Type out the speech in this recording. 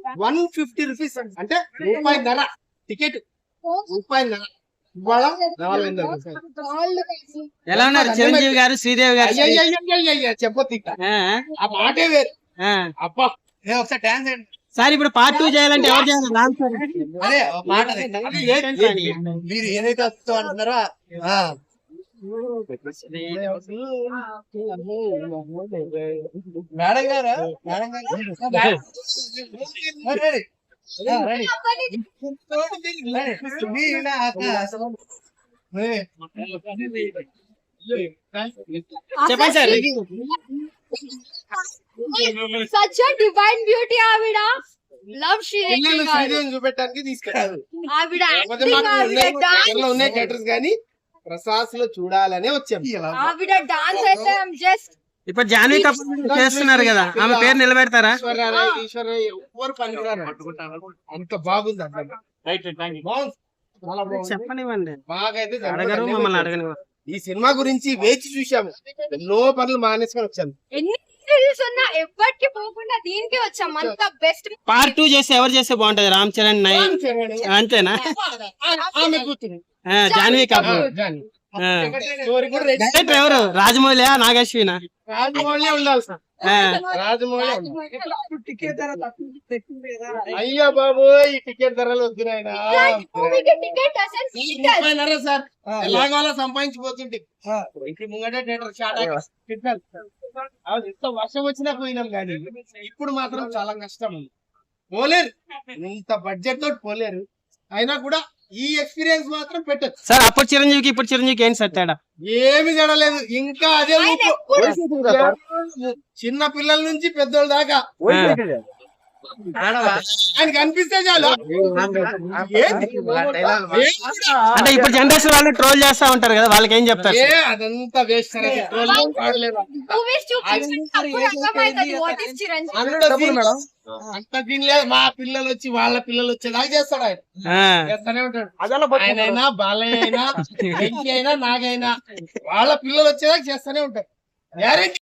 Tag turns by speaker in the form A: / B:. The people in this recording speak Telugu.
A: 150 రూపీస్ అంటే రూపాయిన్నర టికెట్, రూపాయిన్నర. ఇవాళ 400
B: ఎలా ఉన్నారు చిరంజీవి గారు, శ్రీదేవి గారు?
A: చెప్పొద్దు ఇంకా, ఆ మాటే వేరు. అబ్బా ఒకసారి డాన్స్ చేయండి
B: సార్. ఇప్పుడు పార్ట్ 2 చేయాలంటే ఎవరు చేయాలి? రామ్ చరణ్.
A: అదే మాట మీరు ఏదైతే వస్తూ అంటున్నారో మేడం గారు, మేడం గారు
B: చెప్పండి sir.
C: Such a divine beauty, ఆవిడ. Love
A: శ్రీదేవిని చూపెట్టడానికి తీసుకెళ్ళారు.
C: ఆవిడ acting, ఆవిడ dance.
A: ఉన్నాయి థియేటర్స్ కానీ ప్రసాద్ లో చూడాలనే వచ్చాం.
C: ఆవిడ డాన్స్ అయితే జస్ట్.
B: ఇప్పుడు జాన్వీ కపూర్ చేస్తున్నారు కదా, ఆమె పేరు నిలబెడతారా?
A: ఈశ్వరరావు ఎవరు పనికిరారు, అంత బాగుంది అసలు.
B: చెప్పనివ్వండి,
A: బాగా అయితే
B: అడగరు మమ్మల్ని అడగనివ్వరు.
A: ఈ సినిమా గురించి వేచి చూసాము, ఎన్నో పనులు మానేసుకొని వచ్చాము.
C: ఎన్ని సీరీస్ ఉన్నా ఎవ్వరికి పోకుండా దీనికి వచ్చాం. అంత బెస్ట్.
B: పార్ట్ 2 చేస్తే ఎవరు చేస్తే బాగుంటది? రామ్ చరణ్ అంతేనా?
A: ఆమె కూతురు
B: జాన్వీ కపూర్. డైరెక్టర్ ఎవరు? రాజమౌళి, నాగశ్వినా?
A: రాజమౌళి ఉండాలి సార్, రాజమౌళి. అయ్యో బాబు, ఈ టికెట్ ధరలు వద్దునాయనా. సార్ ఎలాగో అలా సంపాదించిపోతుంటే ఇంటి ముంగటే థియేటర్ షార్ట్ ఎంత వర్షం వచ్చినా పోయినాం కానీ ఇప్పుడు మాత్రం చాలా కష్టం. పోలేరు, ఇంత బడ్జెట్ తోటి పోలేరు. అయినా కూడా ఈ ఎక్స్పీరియన్స్ మాత్రం పెట్టచ్చు
B: సార్. అప్పుడు చిరంజీవికి ఇప్పుడు చిరంజీవికి ఏంటి సార్ తేడా?
A: ఏమి జడలేదు, ఇంకా అదే చిన్న పిల్లల నుంచి పెద్దోళ్ళ దాకా ఆయనకి అనిపిస్తే చాలు.
B: అంటే ఇప్పుడు జనరేషన్ వాళ్ళు ట్రోల్ చేస్తా ఉంటారు కదా, వాళ్ళకి ఏం చెప్తారు?
A: అదంతా వేస్ట్. అంత తినలేదు, మా పిల్లలు వచ్చి వాళ్ళ పిల్లలు వచ్చేలాగా చేస్తాడు ఆయన. చేస్తానే ఉంటాడు. ఆయనైనా బాలయ్య అయినా వెంకీ అయినా నాగైనా వాళ్ళ పిల్లలు వచ్చేలాగా చేస్తానే ఉంటాడు.